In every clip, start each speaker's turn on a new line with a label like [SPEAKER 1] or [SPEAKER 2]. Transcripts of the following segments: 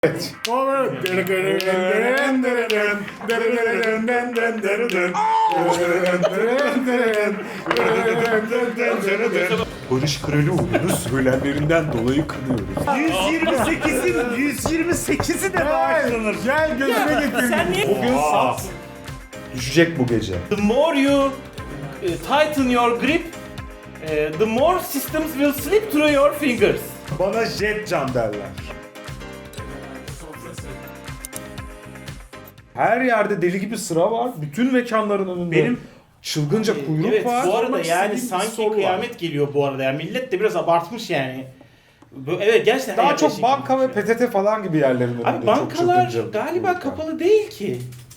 [SPEAKER 1] Evet. Barış Kralıoğlu'nu söylemlerinden dolayı kınıyoruz.
[SPEAKER 2] 128'i de bağışlanır.
[SPEAKER 1] Gel gözüme getir.
[SPEAKER 3] Sen niye?
[SPEAKER 2] Bugün sat.
[SPEAKER 1] Düşecek bu gece.
[SPEAKER 3] The more you tighten your grip, the more systems will slip through your fingers.
[SPEAKER 1] Bana jet can derler. Her yerde deli gibi sıra var. Bütün mekanların önünde
[SPEAKER 2] Benim-
[SPEAKER 1] çılgınca kuyruk
[SPEAKER 3] Evet,
[SPEAKER 1] var.
[SPEAKER 3] bu arada
[SPEAKER 1] Sormak
[SPEAKER 3] yani
[SPEAKER 1] istediğim bir
[SPEAKER 3] sanki
[SPEAKER 1] soru var.
[SPEAKER 3] kıyamet geliyor bu arada. Yani millet de biraz abartmış yani. Evet gerçekten.
[SPEAKER 1] Daha
[SPEAKER 3] her
[SPEAKER 1] çok
[SPEAKER 3] şey
[SPEAKER 1] banka ve
[SPEAKER 3] gitmiş
[SPEAKER 1] PTT falan gibi yerlerin önünde
[SPEAKER 3] Abi
[SPEAKER 1] çok
[SPEAKER 3] bankalar
[SPEAKER 1] çılgınca
[SPEAKER 3] galiba
[SPEAKER 1] kuyruk var.
[SPEAKER 3] kapalı değil ki.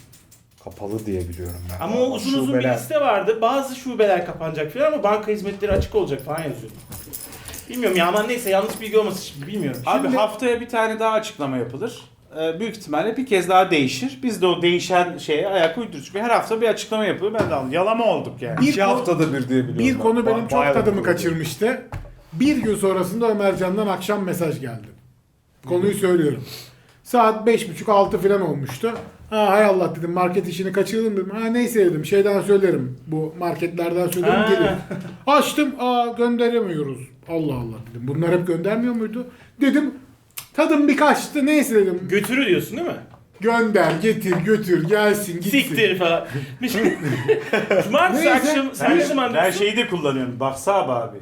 [SPEAKER 1] Kapalı diye biliyorum ben.
[SPEAKER 3] Ama o uzun uzun bir
[SPEAKER 1] Şubeler.
[SPEAKER 3] liste vardı. Bazı şubeler kapanacak falan ama banka hizmetleri açık olacak falan yazıyor. Bilmiyorum ya, aman neyse, yanlış bilgi olmasın şimdi, bilmiyorum.
[SPEAKER 2] Abi haftaya bir tane daha açıklama yapılır. Büyük ihtimalle bir kez daha değişir. Biz de o değişen şeye ayak uydururuz. Çünkü her hafta bir açıklama yapılıyor. Ben de anladım. Yalama olduk yani.
[SPEAKER 1] İki haftada bir diye biliyorum.
[SPEAKER 4] Bir
[SPEAKER 1] ben.
[SPEAKER 4] konu benim çok
[SPEAKER 1] Bayağı
[SPEAKER 4] tadımı
[SPEAKER 1] bir konu.
[SPEAKER 4] kaçırmıştı. Bir gün sonrasında Ömercan'dan akşam mesaj geldi. Konuyu söylüyorum. Saat 5.30-6 falan olmuştu. Ha hay Allah dedim, market işini kaçırdım dedim. Ha neyse dedim, şeyden söylerim. Bu marketlerden söylerim
[SPEAKER 3] Ha.
[SPEAKER 4] gelir. Açtım, gönderemiyoruz. Allah Allah dedim. Bunlar hep göndermiyor muydu? Dedim tadım bir kaçtı, neyse dedim.
[SPEAKER 3] Götürü diyorsun değil mi?
[SPEAKER 4] Gönder, getir, götür, gelsin, gitsin.
[SPEAKER 3] Siktir falan. Bir şey. Cumartesi
[SPEAKER 4] Neyse.
[SPEAKER 3] akşam sen ne zaman
[SPEAKER 2] Ben
[SPEAKER 3] diyorsun?
[SPEAKER 2] şeyi de kullanıyorum. Baksab abi.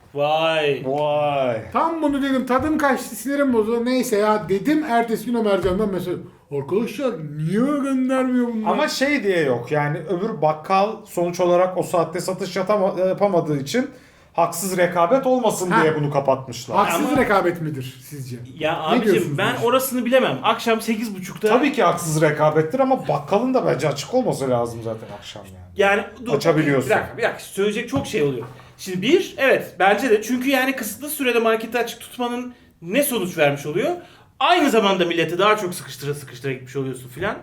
[SPEAKER 3] Vay.
[SPEAKER 1] Vay.
[SPEAKER 4] Tam bunu dedim, tadım kaçtı, sinirim bozuldu. Neyse ya dedim, ertesi gün Ömercan'dan mesaj. Arkadaşlar niye göndermiyor bunlar?
[SPEAKER 1] Ama şey diye yok yani, öbür bakkal sonuç olarak o saatte satış yapamadığı için haksız rekabet olmasın
[SPEAKER 4] Ha.
[SPEAKER 1] diye bunu kapatmışlar.
[SPEAKER 4] Haksız
[SPEAKER 3] Ama-
[SPEAKER 4] rekabet midir sizce?
[SPEAKER 3] Ya
[SPEAKER 4] Ne
[SPEAKER 3] abicim
[SPEAKER 4] diyorsunuz
[SPEAKER 3] ben
[SPEAKER 4] bu işe?
[SPEAKER 3] orasını bilemem. Akşam 8.30'da
[SPEAKER 1] Tabii ki haksız rekabettir ama bakkalın da bence açık olması lazım zaten akşam yani.
[SPEAKER 3] yani
[SPEAKER 1] Açabiliyorsun.
[SPEAKER 3] Bir dakika söyleyecek çok şey oluyor. Şimdi bir, evet bence de, çünkü yani kısıtlı sürede marketi açık tutmanın ne sonuç vermiş oluyor? Aynı zamanda milleti daha çok sıkıştıra gitmiş oluyorsun filan.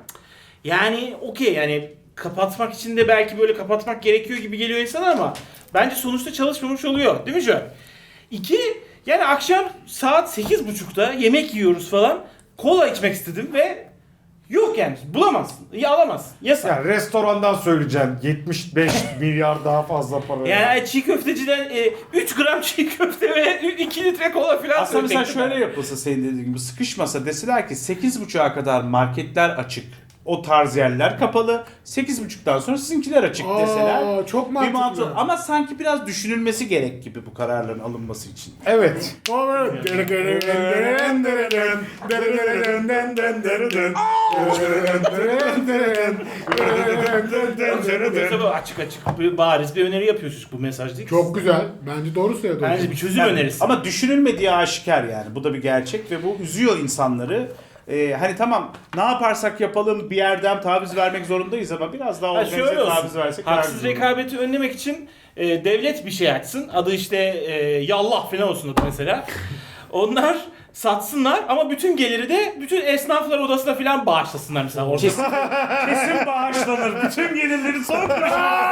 [SPEAKER 3] Yani okey, yani kapatmak için de belki böyle kapatmak gerekiyor gibi geliyor insana ama bence sonuçta çalışmamış oluyor. Değil mi Joel? İki, yani akşam saat 8.30'da yemek yiyoruz falan. Kola içmek istedim ve yok yani, bulamazsın. Ya alamazsın. Yasak.
[SPEAKER 1] Yani restorandan söyleyeceğim 75 milyar daha fazla para.
[SPEAKER 3] Yani çiğ köfteciden 3 gram çiğ köfte ve 2 litre kola falan
[SPEAKER 2] Aslında mesela
[SPEAKER 3] söyleyecektim
[SPEAKER 2] şöyle
[SPEAKER 3] ben.
[SPEAKER 2] yapılsa, senin dediğin gibi sıkışmasa, deseler ki 8.30'a kadar marketler açık. O tarz yerler kapalı. 8.30'dan sonra sizinkiler açık deseler.
[SPEAKER 4] Çok
[SPEAKER 2] Bir
[SPEAKER 4] mantıklı.
[SPEAKER 2] mantık. Ama sanki biraz düşünülmesi gerek gibi bu kararların alınması için.
[SPEAKER 1] Evet.
[SPEAKER 3] Tabii açık bariz bir öneri yapıyoruz bu mesaj değil.
[SPEAKER 4] Çok güzel. Bence doğru söyledi.
[SPEAKER 3] Bence bir çözüm
[SPEAKER 2] Yani
[SPEAKER 3] önerisi.
[SPEAKER 2] Ama düşünülmediği aşikar yani. Bu da bir gerçek ve bu üzüyor insanları. Hani tamam, ne yaparsak yapalım bir yerden taviz vermek zorundayız ama biraz daha
[SPEAKER 3] Ha,
[SPEAKER 2] organize
[SPEAKER 3] şöyle
[SPEAKER 2] taviz
[SPEAKER 3] olsun.
[SPEAKER 2] versek daha
[SPEAKER 3] Haksız
[SPEAKER 2] güzel olur.
[SPEAKER 3] rekabeti önlemek için devlet bir şey açsın. Adı işte Yallah falan olsun adı mesela. Onlar satsınlar ama bütün geliri de bütün esnaflar odasına falan bağışlasınlar mesela orada.
[SPEAKER 2] Kesin bağışlanır. Bütün gelirleri sonra.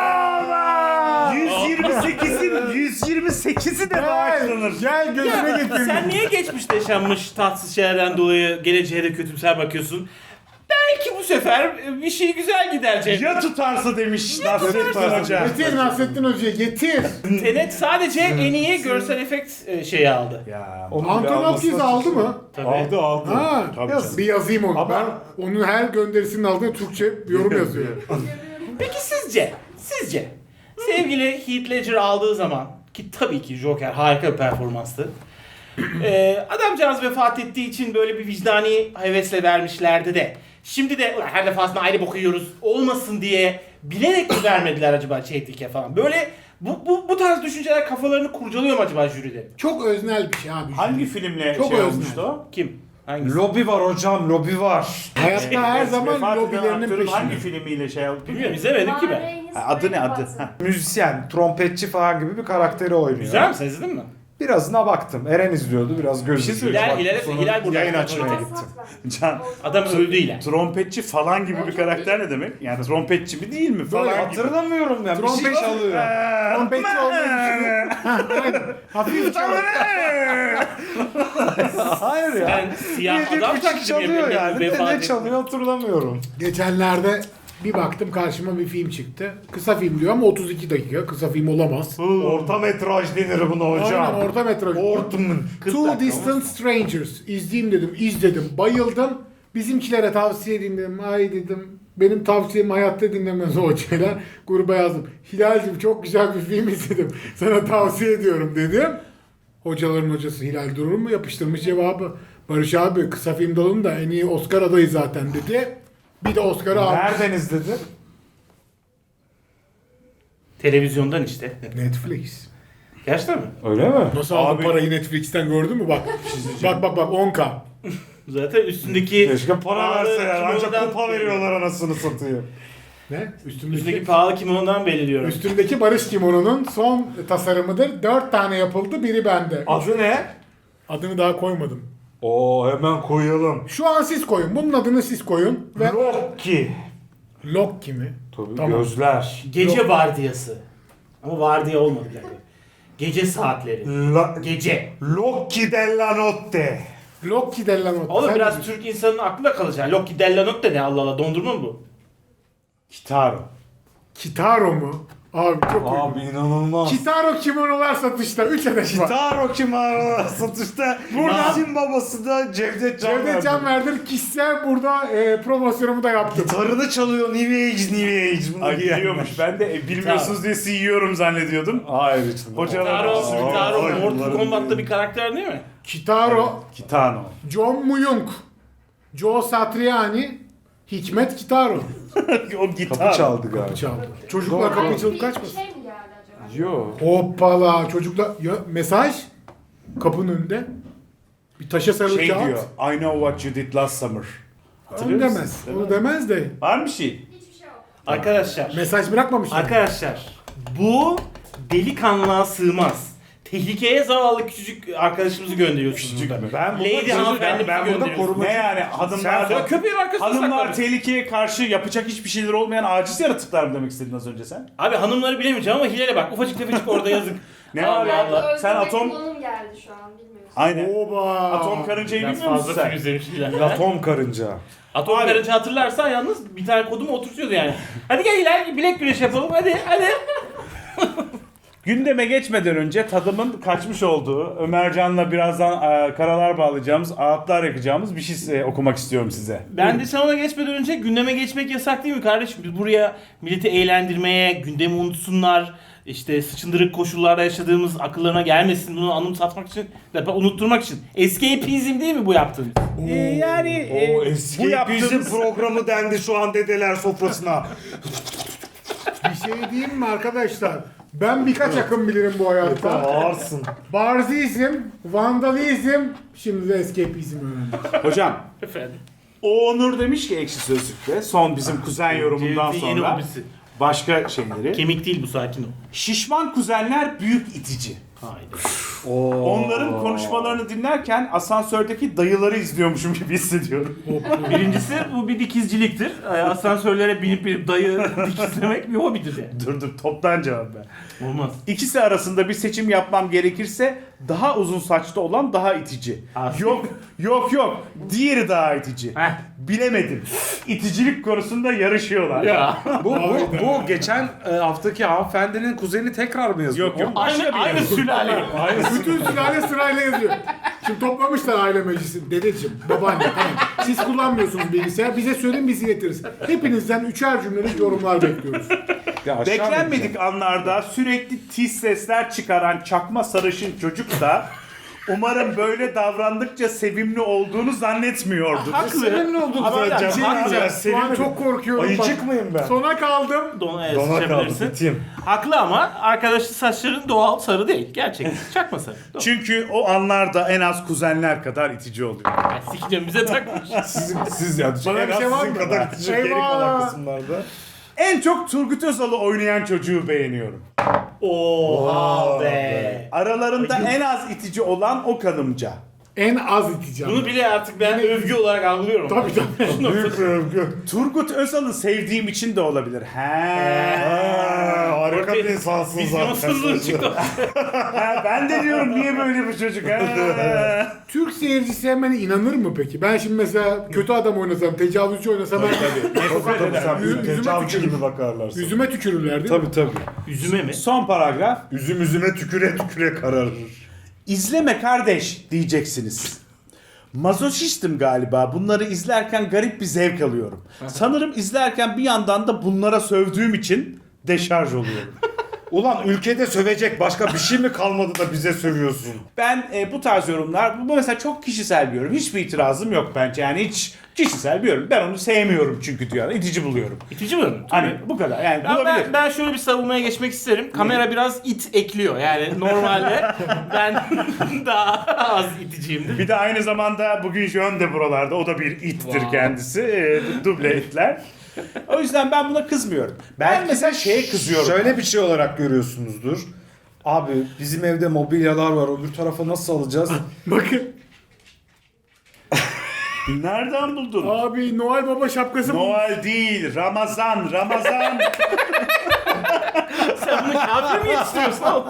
[SPEAKER 2] 128'i de bağışlanır.
[SPEAKER 4] Gel gözüme getir.
[SPEAKER 3] Sen niye geçmişte yaşanmış tatsız şeylerden dolayı geleceğe de kötümser bakıyorsun? Belki bu sefer bir şey güzel gider Cem.
[SPEAKER 2] Ya tutarsa demiş Nasrettin Hoca.
[SPEAKER 4] Getir Nasrettin Hoca'yı getir.
[SPEAKER 3] Tenet sadece en iyi görsel efekt şeyi aldı.
[SPEAKER 2] Ya.
[SPEAKER 1] Onun
[SPEAKER 4] Anton
[SPEAKER 1] bir
[SPEAKER 4] Hopkins
[SPEAKER 1] almasına
[SPEAKER 4] aldı
[SPEAKER 1] şaşırdım.
[SPEAKER 4] mı?
[SPEAKER 3] Tabii.
[SPEAKER 1] Aldı.
[SPEAKER 4] Ha,
[SPEAKER 2] Tabii
[SPEAKER 4] yaz,
[SPEAKER 2] canım.
[SPEAKER 4] bir yazayım onu.
[SPEAKER 1] Ama-
[SPEAKER 4] Ben onun her gönderisinin altına Türkçe yorum yazıyorum.
[SPEAKER 3] Peki sizce sevgili Heath Ledger aldığı zaman, ki tabii ki Joker harika bir performanstı. Adamcağız vefat ettiği için böyle bir vicdani hevesle vermişlerdi de. Şimdi de "Ulan her defasında ayrı boku yiyoruz" olmasın diye bilerek mi vermediler acaba Chadwick'e falan? Böyle bu tarz düşünceler kafalarını kurcalıyor mu acaba jüride?
[SPEAKER 4] Çok öznel bir şey abi.
[SPEAKER 2] Hangi filmle
[SPEAKER 4] Çok
[SPEAKER 2] şey
[SPEAKER 4] öznel.
[SPEAKER 2] olmuştu o?
[SPEAKER 3] Kim? Hangisi?
[SPEAKER 1] Lobi var hocam, lobi var.
[SPEAKER 4] Hayatta her zaman
[SPEAKER 2] Vefat eden
[SPEAKER 4] lobilerinin
[SPEAKER 2] aktörün hangi
[SPEAKER 4] peşinde.
[SPEAKER 2] filmiyle şey oldu?
[SPEAKER 3] Bilmiyorum, izlemedim ki ben.
[SPEAKER 2] Ha, adı ne adı? Ha.
[SPEAKER 1] Müzisyen, trompetçi falan gibi bir karakteri oynuyor.
[SPEAKER 3] Güzel mi? Sen izledin mi?
[SPEAKER 1] Birazına baktım. Eren izliyordu. Biraz
[SPEAKER 2] Bir şey
[SPEAKER 1] gözü.
[SPEAKER 2] söyleyeceğim.
[SPEAKER 3] Hilal burada.
[SPEAKER 1] Yayın açmaya gittim.
[SPEAKER 2] Can,
[SPEAKER 3] Adam öldü Hilal.
[SPEAKER 2] trompetçi falan gibi bir karakter ne demek? Yani trompetçi mi değil mi falan
[SPEAKER 1] Böyle
[SPEAKER 2] gibi.
[SPEAKER 1] hatırlamıyorum ya. Bir şey
[SPEAKER 4] Trompet
[SPEAKER 1] çalıyor.
[SPEAKER 4] Trompetçi olmayı düşünüyor. Aynen. Hafif çalıyor.
[SPEAKER 1] Hayır ya.
[SPEAKER 3] Sen siyah
[SPEAKER 1] Bir
[SPEAKER 3] adam
[SPEAKER 1] küçük
[SPEAKER 3] taklidi mi
[SPEAKER 1] çalıyor
[SPEAKER 3] yapıyorsun?
[SPEAKER 1] yani. De
[SPEAKER 3] Vefat
[SPEAKER 1] ne
[SPEAKER 3] etti.
[SPEAKER 1] çalıyor hatırlamıyorum.
[SPEAKER 4] Geçenlerde bir baktım karşıma bir film çıktı. Kısa film diyor ama 32 dakika. Kısa film olamaz.
[SPEAKER 1] Orta metraj denir buna hocam.
[SPEAKER 4] Aynen orta metraj.
[SPEAKER 1] Ortamın.
[SPEAKER 4] Two Distant Strangers. İzleyeyim dedim. İzledim. Bayıldım. Bizimkilere tavsiye edeyim dedim. Ay dedim. Benim tavsiyem hayatta dinlemez o hocayla. Gruba yazdım. Hilal'cim çok güzel bir film izledim. Sana tavsiye ediyorum dedim. Hocaların hocası Hilal durur mu? Yapıştırmış cevabı. Barış abi kısa film dalında en iyi Oscar adayı zaten dedi. Bir de Oscar'ı almış.
[SPEAKER 1] Nereden izledin?
[SPEAKER 3] Televizyondan işte.
[SPEAKER 4] Netflix.
[SPEAKER 3] Gerçekten mi?
[SPEAKER 1] Öyle mi?
[SPEAKER 4] Nasıl aldın
[SPEAKER 2] Abi-
[SPEAKER 4] parayı Netflix'ten gördün mü bak. Bak 10K.
[SPEAKER 3] Zaten üstündeki
[SPEAKER 1] Keşke para
[SPEAKER 3] pahalı
[SPEAKER 1] verse ya. Ancak
[SPEAKER 3] kimonodan-
[SPEAKER 1] kupa veriyorlar anasını satayım.
[SPEAKER 4] Ne?
[SPEAKER 3] Üstündeki pahalı kimonodan belli diyorum.
[SPEAKER 4] Üstümdeki Barış Kimono'nun son tasarımıdır. 4 tane yapıldı, biri bende.
[SPEAKER 1] Adı ne?
[SPEAKER 4] Adını daha koymadım.
[SPEAKER 1] Oo hemen koyalım.
[SPEAKER 4] Şu an siz koyun. Bunun adını siz koyun. Ve
[SPEAKER 1] Loki.
[SPEAKER 4] Loki mi?
[SPEAKER 1] Tabii
[SPEAKER 4] Tamam.
[SPEAKER 1] gözler.
[SPEAKER 3] Gece vardiyası. Ama vardiya olmadı yani. Gece saatleri. Gece.
[SPEAKER 1] Loki della notte.
[SPEAKER 4] Loki della notte.
[SPEAKER 3] Oğlum
[SPEAKER 4] Sen
[SPEAKER 3] biraz
[SPEAKER 4] ne diyorsun?
[SPEAKER 3] Türk insanının aklına kalacak. Loki Della Notte ne Allah Allah dondurma mı bu?
[SPEAKER 1] Kitaro.
[SPEAKER 4] Kitaro mu? Abi çok uygun.
[SPEAKER 1] Abi inanılmaz.
[SPEAKER 4] Kitaro kimonolar satışta. 3 adet var.
[SPEAKER 1] Kitaro Kimaro satışta. Buradan babası da Cevdet Can
[SPEAKER 4] Cevdet Canverdir kişisel burada promosyonumu da yaptım.
[SPEAKER 1] Gitarını çalıyor New Age. Bunu
[SPEAKER 2] Ay
[SPEAKER 1] giyen
[SPEAKER 2] biliyormuş.
[SPEAKER 1] var.
[SPEAKER 2] Ben de bilmiyorsunuz diye sizi yiyorum zannediyordum.
[SPEAKER 1] Hayır içinde.
[SPEAKER 2] Hocalar
[SPEAKER 3] Kitaro
[SPEAKER 1] Ay,
[SPEAKER 3] Mortal
[SPEAKER 1] bunların
[SPEAKER 3] Kombat'ta
[SPEAKER 1] değil.
[SPEAKER 3] bir karakter değil mi?
[SPEAKER 4] Kitaro,
[SPEAKER 2] Kitano.
[SPEAKER 4] John Muyung, Joe Satriani, Hikmet Kitaro.
[SPEAKER 2] O gitar.
[SPEAKER 1] Kapı çaldı galiba.
[SPEAKER 4] Çaldı. Çocuklar kapıyı çalıp
[SPEAKER 5] Bir
[SPEAKER 4] kaçmasın.
[SPEAKER 5] şey mi geldi acaba?
[SPEAKER 1] Yo.
[SPEAKER 4] Hoppala çocuklar. Ya, mesaj kapının önünde. Bir taşa sarılı
[SPEAKER 2] Şey
[SPEAKER 4] kağıt.
[SPEAKER 2] diyor. I know what you did last summer.
[SPEAKER 4] Onu
[SPEAKER 2] Hatırlıyor
[SPEAKER 4] demez.
[SPEAKER 2] musun?
[SPEAKER 4] Onu demez de.
[SPEAKER 2] Var mı şey?
[SPEAKER 5] Hiçbir şey yok.
[SPEAKER 3] Arkadaşlar.
[SPEAKER 4] Mesaj bırakmamışlar.
[SPEAKER 3] Arkadaşlar. Bu delikanlığa sığmaz. Tehlikeye zavallı küçücük arkadaşımızı gönderiyorsunuz.
[SPEAKER 2] Küçücük
[SPEAKER 3] burada.
[SPEAKER 2] mü?
[SPEAKER 1] Ben
[SPEAKER 3] Lady hanımefendi
[SPEAKER 1] ben burada
[SPEAKER 3] gönderiyorsun.
[SPEAKER 1] koruma.
[SPEAKER 2] Ne yani hanımlar
[SPEAKER 3] Sonra köpeğin arkasına
[SPEAKER 2] hanımlar
[SPEAKER 3] saklanır.
[SPEAKER 2] tehlikeye karşı yapacak hiçbir şeyler olmayan aciz yaratıklar mı demek istedin az önce sen?
[SPEAKER 3] Abi hanımları bilemeyeceğim ama Hilal'e bak. Ufacık tefecik orada yazık.
[SPEAKER 2] Ne
[SPEAKER 3] Allah
[SPEAKER 2] var
[SPEAKER 5] Belki
[SPEAKER 2] ya?
[SPEAKER 5] öldürme
[SPEAKER 2] Sen atom
[SPEAKER 5] kullanım geldi şu an bilmiyorsun.
[SPEAKER 2] aynen.
[SPEAKER 4] Oba.
[SPEAKER 2] Atom karıncayı
[SPEAKER 3] Biraz
[SPEAKER 2] bilmiyor musun
[SPEAKER 3] fazla
[SPEAKER 2] sen?
[SPEAKER 3] film izlemiş Hilal.
[SPEAKER 1] Atom karınca.
[SPEAKER 3] Atom
[SPEAKER 2] Abi-
[SPEAKER 3] karınca hatırlarsan yalnız bir tane kodumu oturtuyordu yani. Hadi gel Hilal bilek güreşi yapalım hadi.
[SPEAKER 2] Gündeme geçmeden önce tadımın kaçmış olduğu, Ömercan'la birazdan karalar bağlayacağımız, ağıtlar yakacağımız bir şey okumak istiyorum size.
[SPEAKER 3] Ben de sen ona geçmeden önce gündeme geçmek yasak değil mi kardeşim? Biz buraya milleti eğlendirmeye, gündemi unutsunlar, işte sıçındırık koşullarda yaşadığımız akıllarına gelmesin bunu anımsatmak için, unutturmak için. Escapism değil mi bu yaptığımız?
[SPEAKER 2] Yani
[SPEAKER 1] O
[SPEAKER 2] bu
[SPEAKER 1] eski
[SPEAKER 2] yaptığımız
[SPEAKER 1] bizim programı dendi şu an dedeler sofrasına.
[SPEAKER 4] Bir şey diyeyim mi arkadaşlar? Ben birkaç akım bilirim bu hayatta.
[SPEAKER 1] Ağırsın.
[SPEAKER 4] Barzizm, vandalizm, şimdi de escapizm öğrendim.
[SPEAKER 2] Hocam,
[SPEAKER 3] Efendim.
[SPEAKER 2] o Onur demiş ki Ekşi Sözlük'te son bizim kuzen yorumundan
[SPEAKER 3] Cevdet'in yeni
[SPEAKER 2] sonra
[SPEAKER 3] hobisi.
[SPEAKER 2] başka şeyleri.
[SPEAKER 3] Kemik değil bu sakin ol.
[SPEAKER 2] Şişman kuzenler büyük itici.
[SPEAKER 3] Haydi.
[SPEAKER 2] Onların konuşmalarını dinlerken asansördeki dayıları izliyormuşum gibi hissediyorum.
[SPEAKER 3] Birincisi bu bir dikizciliktir. Asansörlere binip dayı dikizlemek bir hobidir yani.
[SPEAKER 2] Dur toptan cevap ver.
[SPEAKER 3] Olmaz.
[SPEAKER 2] İkisi arasında bir seçim yapmam gerekirse daha uzun saçlı olan daha itici. Yok. Diğeri daha itici.
[SPEAKER 3] Heh.
[SPEAKER 2] Bilemedim. İticilik konusunda yarışıyorlar.
[SPEAKER 3] Ya.
[SPEAKER 1] Bu geçen haftaki hanımefendinin kuzeni tekrar mı yazıyor?
[SPEAKER 2] Yok.
[SPEAKER 3] Aynı sülale.
[SPEAKER 4] Bütün sülale sırayla yazıyor. Şimdi toplamışlar aile meclisi. Dedeciğim, babaanne tamam. Siz kullanmıyorsunuz bilgisayar. Bize söyleyin biz iletiriz. Hepinizden üçer cümlelik yorumlar bekliyoruz.
[SPEAKER 1] Ya aşağı
[SPEAKER 2] Beklenmedik anlarda sürekli tiz sesler çıkaran çakma sarışın çocuk da umarım böyle davrandıkça sevimli olduğunu zannetmiyordur.
[SPEAKER 4] Senin oldun
[SPEAKER 3] Ama
[SPEAKER 4] zaten.
[SPEAKER 3] hocam,
[SPEAKER 4] Şey
[SPEAKER 3] haklı.
[SPEAKER 4] diyeceğim, Şu an çok korkuyorum.
[SPEAKER 1] Ayıcık
[SPEAKER 4] bak.
[SPEAKER 1] mıyım ben?
[SPEAKER 4] Sona kaldım.
[SPEAKER 3] Dona
[SPEAKER 1] Dona kaldı
[SPEAKER 3] sıçabilirsin.
[SPEAKER 1] biteyim.
[SPEAKER 3] Haklı ama arkadaşın saçların doğal sarı değil. Gerçek. Çakma sarı. Doğru.
[SPEAKER 2] Çünkü o anlarda en az kuzenler kadar itici oluyor.
[SPEAKER 3] Yani sikeceğim bize takmış.
[SPEAKER 1] Siz ya.
[SPEAKER 4] Bana
[SPEAKER 1] en
[SPEAKER 4] bir
[SPEAKER 1] az
[SPEAKER 4] şey var
[SPEAKER 1] sizin
[SPEAKER 4] mı?
[SPEAKER 1] kadar geri kalan
[SPEAKER 4] Eyvah.
[SPEAKER 1] kısımlarda.
[SPEAKER 2] En çok Turgut Özal'ı oynayan çocuğu beğeniyorum.
[SPEAKER 3] Oha be.
[SPEAKER 2] Aralarında en az itici olan o kanımca.
[SPEAKER 4] En az iteceğim.
[SPEAKER 3] Bunu bile artık ben övgü olarak algılıyorum.
[SPEAKER 4] Tabii tabii.
[SPEAKER 1] Büyük bir övgü.
[SPEAKER 2] Turgut Özal'ı sevdiğim için de olabilir.
[SPEAKER 1] Harika bir insansın
[SPEAKER 3] Vizyonsuzluğun
[SPEAKER 1] zaten.
[SPEAKER 3] çıktı.
[SPEAKER 2] Ben de diyorum niye böyle bu çocuk?
[SPEAKER 4] Türk seyirci sevmene inanır mı peki? Ben şimdi mesela kötü adam oynasam, tecavüzcü oynasam
[SPEAKER 1] Tabii sen
[SPEAKER 4] Yüzüme
[SPEAKER 1] bir tecavüzcü
[SPEAKER 4] tükürür.
[SPEAKER 1] gibi bakarlar sana.
[SPEAKER 4] yüzüme tükürürler değil mi?
[SPEAKER 1] Tabii tabii.
[SPEAKER 3] Üzüme mi?
[SPEAKER 2] Son paragraf.
[SPEAKER 1] Üzüme tüküre tüküre kararır.
[SPEAKER 2] İzleme kardeş diyeceksiniz. Mazoşistim galiba. Bunları izlerken garip bir zevk alıyorum. Sanırım izlerken bir yandan da bunlara sövdüğüm için deşarj oluyorum.
[SPEAKER 1] Ulan ülkede sövecek başka bir şey mi kalmadı da bize sövüyorsun?
[SPEAKER 2] Ben bu tarz yorumlar, bu mesela çok kişisel bir yorum. Hiçbir itirazım yok bence. Yani hiç kişisel bir yorum. Ben onu sevmiyorum çünkü diyor. İtici buluyorum.
[SPEAKER 3] İtici mi?
[SPEAKER 2] Hani bu kadar. Yani
[SPEAKER 3] Ben,
[SPEAKER 2] bulabilir.
[SPEAKER 3] ben şöyle bir savunmaya geçmek isterim. Kamera biraz it ekliyor. Yani normalde ben daha az iticiyimdir.
[SPEAKER 2] Bir de aynı zamanda bugün Jön de buralarda. O da bir ittir kendisi. Duble itler. O yüzden ben buna kızmıyorum. Ben mesela şeye kızıyorum.
[SPEAKER 1] Şöyle bir şey olarak görüyorsunuzdur. Abi bizim evde mobilyalar var. Öbür tarafa nasıl alacağız?
[SPEAKER 4] Bakın.
[SPEAKER 2] Nereden buldun?
[SPEAKER 4] Abi Noel Baba şapkası bu.
[SPEAKER 2] Noel değil, Ramazan.
[SPEAKER 3] Sen bunu kafir mi yetiştiriyorsun oğlum?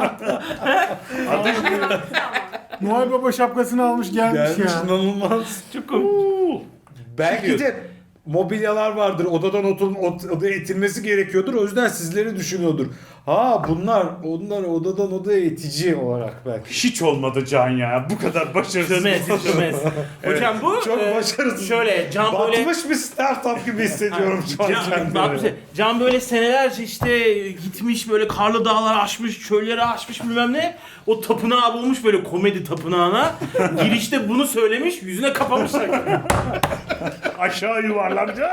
[SPEAKER 4] Noel Baba şapkasını almış gelmiş
[SPEAKER 1] Gelmiş
[SPEAKER 4] ya.
[SPEAKER 1] inanılmaz.
[SPEAKER 3] Çok komik.
[SPEAKER 1] Belki de mobilyalar vardır. Odadan odaya itilmesi gerekiyordur. O yüzden sizleri düşünüyordur. Ha onlar odadan odaya itici olarak belki.
[SPEAKER 2] Hiç olmadı Can ya. Bu kadar başarısız.
[SPEAKER 3] Çömez. Hocam bu
[SPEAKER 1] Çok başarısız.
[SPEAKER 3] şöyle Can böyle
[SPEAKER 1] Batmış bir startup gibi hissediyorum şu an kendimi.
[SPEAKER 3] Can böyle senelerce işte gitmiş böyle karlı dağlar aşmış, çölleri aşmış bilmem ne. O tapınağı bulmuş böyle komedi tapınağına. Girişte bunu söylemiş, yüzüne kapamışlar.
[SPEAKER 2] Aşağı yuvarlanca.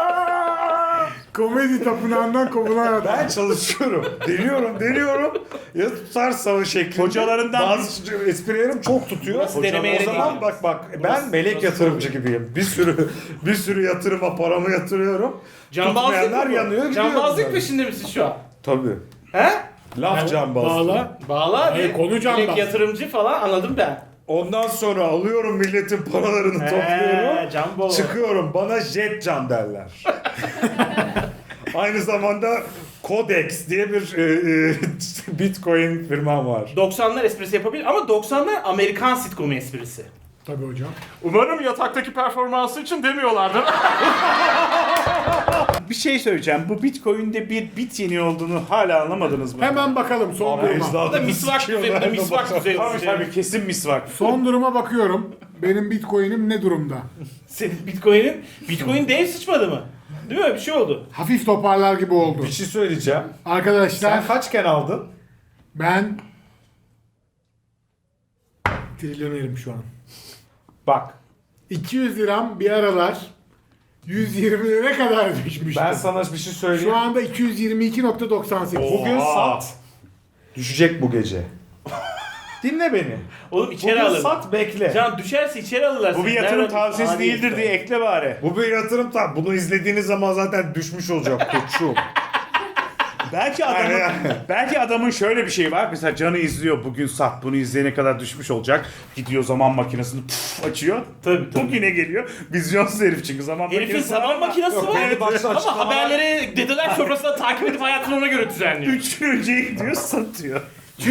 [SPEAKER 4] Komedi tapınağından kovulan adam.
[SPEAKER 1] Ben çalışıyorum. Deniyorum. Ya tutarsa şeklinde.
[SPEAKER 2] Hocalarından
[SPEAKER 1] bazı esprilerim çok tutuyor.
[SPEAKER 3] Burası deneme
[SPEAKER 1] O
[SPEAKER 3] yeri
[SPEAKER 1] zaman
[SPEAKER 3] değil.
[SPEAKER 1] bak ben melek yatırımcı gibiyim. Bir sürü yatırıma paramı yatırıyorum.
[SPEAKER 3] Cambazlık
[SPEAKER 1] Tutmayanlar
[SPEAKER 3] mı bu?
[SPEAKER 1] yanıyor gidiyor.
[SPEAKER 3] Cambazlık
[SPEAKER 1] yani.
[SPEAKER 3] peşinde misin şu an?
[SPEAKER 1] Tabii.
[SPEAKER 3] He?
[SPEAKER 1] Laf cambazlığı.
[SPEAKER 4] Bağla.
[SPEAKER 3] Bağla
[SPEAKER 4] Hayır,
[SPEAKER 3] bir
[SPEAKER 4] konu cambaz.
[SPEAKER 3] direkt yatırımcı falan anladım ben.
[SPEAKER 1] Ondan sonra alıyorum milletin paralarını topluyorum.
[SPEAKER 3] Cambo.
[SPEAKER 1] Çıkıyorum. Bana jet can derler. Aynı zamanda Codex diye bir Bitcoin firmam var.
[SPEAKER 3] 90'lar esprisi yapabilir ama 90'lar Amerikan sitcomu esprisi.
[SPEAKER 4] Tabii hocam.
[SPEAKER 3] Umarım yataktaki performansı için demiyorlardır.
[SPEAKER 2] bir şey söyleyeceğim. Bu Bitcoin'de bir bit yeni olduğunu hala anlamadınız mı?
[SPEAKER 4] Hemen bakalım son duruma.
[SPEAKER 3] Bu da misvak düzeyinde,
[SPEAKER 2] Tabii tabii kesin misvak.
[SPEAKER 4] Son duruma bakıyorum. Benim Bitcoin'im ne durumda?
[SPEAKER 3] Senin Bitcoin dev sıçmadı mı? Değil mi? Bir şey oldu.
[SPEAKER 4] Hafif toparlar gibi oldu.
[SPEAKER 1] Bir şey söyleyeceğim.
[SPEAKER 4] Arkadaşlar
[SPEAKER 1] Sen kaçken aldın?
[SPEAKER 4] ben trilyonerim şu an.
[SPEAKER 1] Bak.
[SPEAKER 4] 200 liram bir aralar 120 lira kadar düşmüştü.
[SPEAKER 1] Ben sana bir şey söyleyeyim.
[SPEAKER 4] Şu anda 222.98.
[SPEAKER 1] Bugün sat. Düşecek bu gece. Dinle beni.
[SPEAKER 3] Oğlum içeri
[SPEAKER 1] Bugün
[SPEAKER 3] alırlar.
[SPEAKER 1] sat bekle.
[SPEAKER 3] Can düşerse içeri alırlar.
[SPEAKER 2] Bu bir
[SPEAKER 3] seni.
[SPEAKER 2] yatırım
[SPEAKER 3] Nereden-
[SPEAKER 2] tavsiyesi
[SPEAKER 3] Adi
[SPEAKER 2] değildir
[SPEAKER 3] herifler.
[SPEAKER 2] diye ekle bari.
[SPEAKER 1] Bu bir yatırım bunu izlediğiniz zaman zaten düşmüş olacak koçum.
[SPEAKER 2] Belki adamın şöyle bir şeyi var. Mesela Can'ı izliyor. Bugün sat bunu izleyene kadar düşmüş olacak. Gidiyor zaman makinesini açıyor.
[SPEAKER 3] Tabii.
[SPEAKER 2] Bugüne geliyor. Vizyonsuz herif çünkü zaman
[SPEAKER 3] Herifin
[SPEAKER 2] makinesi
[SPEAKER 3] zaman
[SPEAKER 2] var ama
[SPEAKER 3] makinesi
[SPEAKER 1] Yok,
[SPEAKER 3] var.
[SPEAKER 1] belli başlı
[SPEAKER 3] Ama
[SPEAKER 1] açıklamalar-
[SPEAKER 3] haberleri dedeler sofrasında takip edip hayatını ona göre düzenliyor.
[SPEAKER 2] 3 gün önce gidiyor satıyor.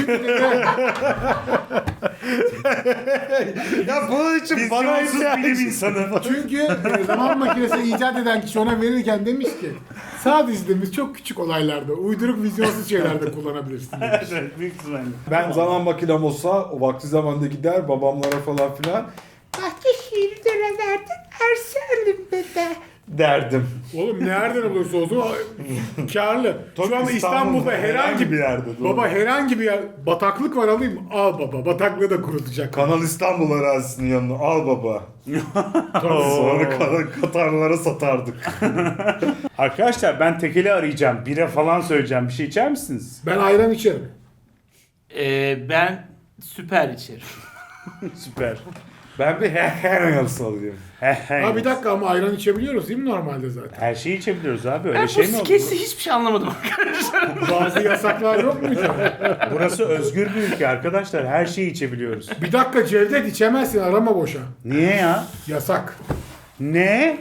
[SPEAKER 1] Ya bunun için bana
[SPEAKER 2] Vizyonsuz bilim insanı.
[SPEAKER 4] Çünkü zaman makinesi icat eden kişi ona verirken demiş ki sadece demiş çok küçük olaylarda, uyduruk vizyonsuz şeylerde kullanabilirsin.
[SPEAKER 2] Evet, büyük ihtimalle.
[SPEAKER 1] Ben zaman makinem olsa o vakti zamanda gider babamlara falan filan. Bahçeşehir'de verdin Ersen'lim dede derdim.
[SPEAKER 4] Oğlum nereden olursa olsun karlı. Şu anda İstanbul'da herhangi
[SPEAKER 1] bir yerde. doğru.
[SPEAKER 4] Baba herhangi bir yer bataklık var alayım mı? Al baba bataklığı da kurutacak.
[SPEAKER 1] Kanal İstanbul arazisinin yanına al baba. Sonra Katarlara satardık.
[SPEAKER 2] Arkadaşlar ben tekeli arayacağım. Bire falan söyleyeceğim. Bir şey içer misiniz?
[SPEAKER 4] Ben ayran içerim.
[SPEAKER 3] Ben süper içerim.
[SPEAKER 2] Süper.
[SPEAKER 1] Ben bir Hell's alayım.
[SPEAKER 4] Ha bir dakika ama ayran içebiliyoruz değil mi normalde zaten?
[SPEAKER 2] Her şeyi içebiliyoruz abi. Öyle
[SPEAKER 3] Ben
[SPEAKER 2] şey
[SPEAKER 3] bu
[SPEAKER 2] mi oldu?
[SPEAKER 3] skeçte hiçbir şey anlamadım.
[SPEAKER 4] Bazı yasaklar yok mu?
[SPEAKER 2] Burası özgür bir ülke arkadaşlar. Her şeyi içebiliyoruz.
[SPEAKER 4] Bir dakika Cevdet içemezsin arama boşa.
[SPEAKER 2] Niye ya?
[SPEAKER 4] Yasak.
[SPEAKER 2] Ne?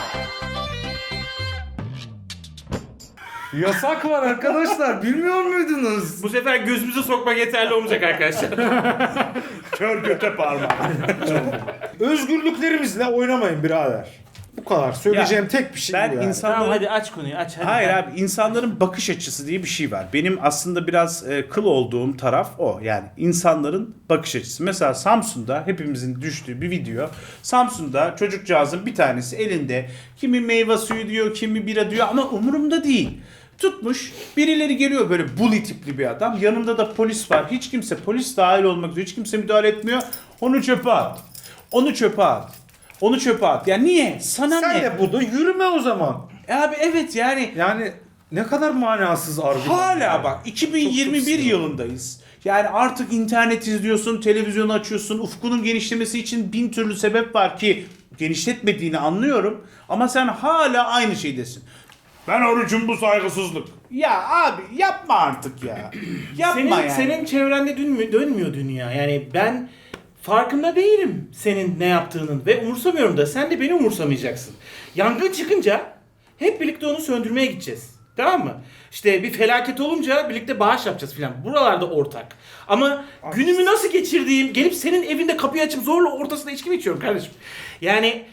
[SPEAKER 1] Yasak var arkadaşlar. Bilmiyor muydunuz?
[SPEAKER 3] Bu sefer gözümüze sokmak yeterli olmayacak arkadaşlar.
[SPEAKER 2] Kör göte parmağı.
[SPEAKER 1] Özgürlüklerimizle oynamayın birader. Bu kadar. Söyleyeceğim tek bir şey
[SPEAKER 2] Ben
[SPEAKER 1] bu yani.
[SPEAKER 2] insanların...
[SPEAKER 3] Tamam hadi aç konuyu aç. Hadi.
[SPEAKER 2] Hayır abi, insanların bakış açısı diye bir şey var. Benim aslında biraz kıl olduğum taraf o. Yani insanların bakış açısı. Mesela Samsun'da hepimizin düştüğü bir video. Samsun'da çocukcağızın bir tanesi elinde kimi meyve suyu diyor, kimi bira diyor ama umurumda değil. Tutmuş, birileri geliyor böyle bully tipli bir adam. Yanında da polis var. Hiç kimse, polis dahil olmak üzere hiç kimse müdahale etmiyor. Onu çöpe at. Onu çöpe at. Onu çöpe at. Ya niye? Sana
[SPEAKER 1] Sen
[SPEAKER 2] ne?
[SPEAKER 1] de burada yürüme o zaman.
[SPEAKER 2] Abi evet yani
[SPEAKER 1] Yani ne kadar manasız argüman.
[SPEAKER 2] hala bak
[SPEAKER 1] Çok
[SPEAKER 2] 2021
[SPEAKER 1] sinirli.
[SPEAKER 2] yılındayız. Yani artık internet izliyorsun, televizyonu açıyorsun. Ufkunun genişlemesi için bin türlü sebep var ki genişletmediğini anlıyorum. Ama sen hala aynı şeydesin. Ben orucum, bu saygısızlık. Ya abi yapma artık ya. Yapma
[SPEAKER 3] Senin,
[SPEAKER 2] yani.
[SPEAKER 3] senin çevrende dönmüyor dünya. Yani ben farkında değilim senin ne yaptığının ve umursamıyorum da sen de beni umursamayacaksın. Yangın çıkınca hep birlikte onu söndürmeye gideceğiz. Tamam mı? İşte bir felaket olunca birlikte bağış yapacağız filan. Buralarda ortak. Ama günümü nasıl geçirdiğim, gelip senin evinde kapıyı açıp zorla ortasında içki mi içiyorum kardeşim? Yani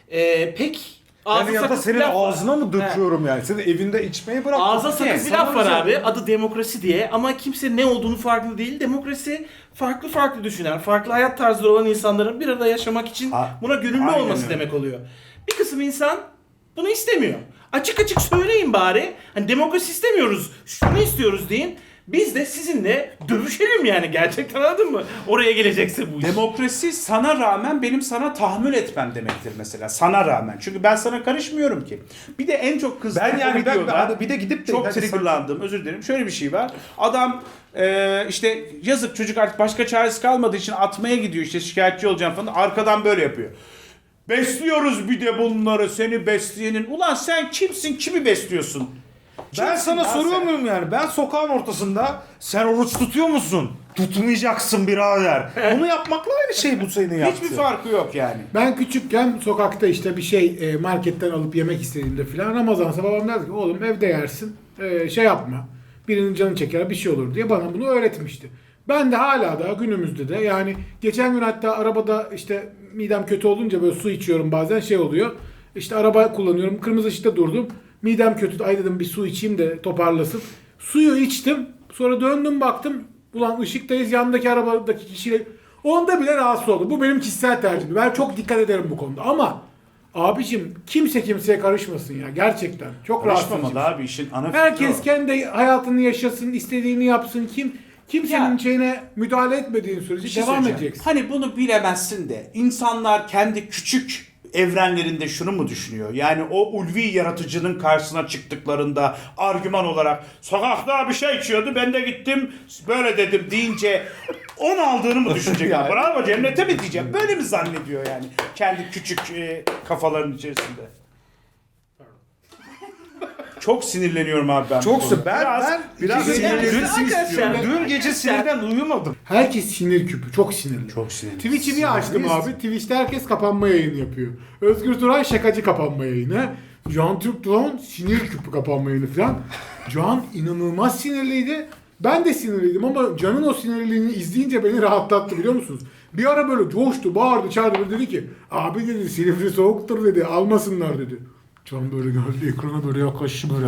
[SPEAKER 3] pek ağzı
[SPEAKER 1] Yani ya da
[SPEAKER 3] sakız
[SPEAKER 1] senin
[SPEAKER 3] bir laf var.
[SPEAKER 1] ağzına mı döküyorum yani? Senin evinde içmeyi bırak.
[SPEAKER 3] Ağza sakız bir
[SPEAKER 1] Sana
[SPEAKER 3] laf var
[SPEAKER 1] güzel.
[SPEAKER 3] abi. Adı demokrasi diye ama kimse ne olduğunu farkında değil. Demokrasi farklı düşünen, farklı hayat tarzları olan insanların bir arada yaşamak için buna gönüllü
[SPEAKER 2] Aynen
[SPEAKER 3] olması
[SPEAKER 2] öyle.
[SPEAKER 3] demek oluyor. Bir kısım insan bunu istemiyor. Açık açık söyleyin bari. Hani demokrasi istemiyoruz, şunu istiyoruz deyin. Biz de sizinle dövüşelim yani, gerçekten, anladın mı? Oraya gelecekse bu iş.
[SPEAKER 2] Demokrasi sana rağmen benim sana tahammül etmem demektir mesela. Sana rağmen. Çünkü ben sana karışmıyorum ki. Bir de en çok kızdığım
[SPEAKER 1] Ben yani
[SPEAKER 2] o videoda
[SPEAKER 1] ben bir de gidip de
[SPEAKER 2] çok
[SPEAKER 1] hadi
[SPEAKER 2] triggerlandım. Özür dilerim. Şöyle bir şey var. Adam işte yazık çocuk, artık başka çaresi kalmadığı için atmaya gidiyor, işte şikayetçi olacağım falan. Arkadan böyle yapıyor. Besliyoruz bir de bunları, seni besleyenin. Ulan sen kimsin? Kimi besliyorsun?
[SPEAKER 1] Ben
[SPEAKER 2] Kimsin
[SPEAKER 1] sana
[SPEAKER 2] lan
[SPEAKER 1] soruyor
[SPEAKER 2] sen?
[SPEAKER 1] muyum yani? Ben sokağın ortasında sen oruç tutuyor musun? Tutmayacaksın birader. Bunu yapmakla aynı şey bu senin yaptığın.
[SPEAKER 2] Hiçbir farkı yok yani.
[SPEAKER 4] Ben küçükken sokakta işte bir şey marketten alıp yemek istediğimde filan Ramazansa babam derdi ki oğlum evde yersin, şey yapma. Birinin canı çeker bir şey olur diye bana bunu öğretmişti. Ben de hala da günümüzde de yani geçen gün hatta arabada işte midem kötü olunca böyle su içiyorum bazen, şey oluyor. İşte araba kullanıyorum, kırmızı ışıkta durdum. Midem kötü, ay dedim bir su içeyim de toparlasın. Suyu içtim, sonra döndüm baktım. Ulan ışıktayız, yandaki arabadaki kişiyle. Onda bile rahatsız oldum. Bu benim kişisel tercihim. Ben çok dikkat ederim bu konuda ama abicim kimse kimseye karışmasın ya, gerçekten. Çok rahatsız edici.
[SPEAKER 2] Karışmamalı abi, işin ana fikri
[SPEAKER 4] Herkes
[SPEAKER 2] o.
[SPEAKER 4] kendi hayatını yaşasın, istediğini yapsın. Kimsenin
[SPEAKER 2] Ya.
[SPEAKER 4] şeyine müdahale etmediğin sürece
[SPEAKER 2] Bir şey
[SPEAKER 4] devam
[SPEAKER 2] söyleyeceğim.
[SPEAKER 4] edeceksin.
[SPEAKER 2] Hani bunu bilemezsin de insanlar kendi küçük evrenlerinde şunu mu düşünüyor? Yani o ulvi yaratıcının karşısına çıktıklarında argüman olarak sokakta bir şey içiyordu, ben de gittim böyle dedim deyince 10 aldığını mı düşünecek?
[SPEAKER 1] Yani.
[SPEAKER 2] Bravo, cennete mi diyeceğim? Böyle mi zannediyor yani? Kendi küçük kafaların içerisinde. Çok sinirleniyorum abi ben. bu
[SPEAKER 1] Çok
[SPEAKER 2] konuda.
[SPEAKER 1] biraz
[SPEAKER 2] biraz
[SPEAKER 1] sinirlenirsin
[SPEAKER 3] Arkadaşlar,
[SPEAKER 1] istiyorum. Dün gece sinirden uyumadım.
[SPEAKER 4] Herkes sinir küpü, çok sinirli.
[SPEAKER 2] Çok sinirli.
[SPEAKER 4] Twitch'i niye açtım abi? Twitch'te herkes kapanma yayını yapıyor. Özgür Turay şakacı kapanma yayını. Can Türk Doğan sinir küpü kapanma yayını falan. Can inanılmaz sinirliydi. Ben de sinirliydim ama Can'ın o sinirliliğini izleyince beni rahatlattı, biliyor musunuz? Bir ara böyle coştu, bağırdı, çağırdı, dedi ki abi dedi Silivri soğuktur dedi, almasınlar dedi. Can böyle geldi ekrana, böyle yaklaştı böyle.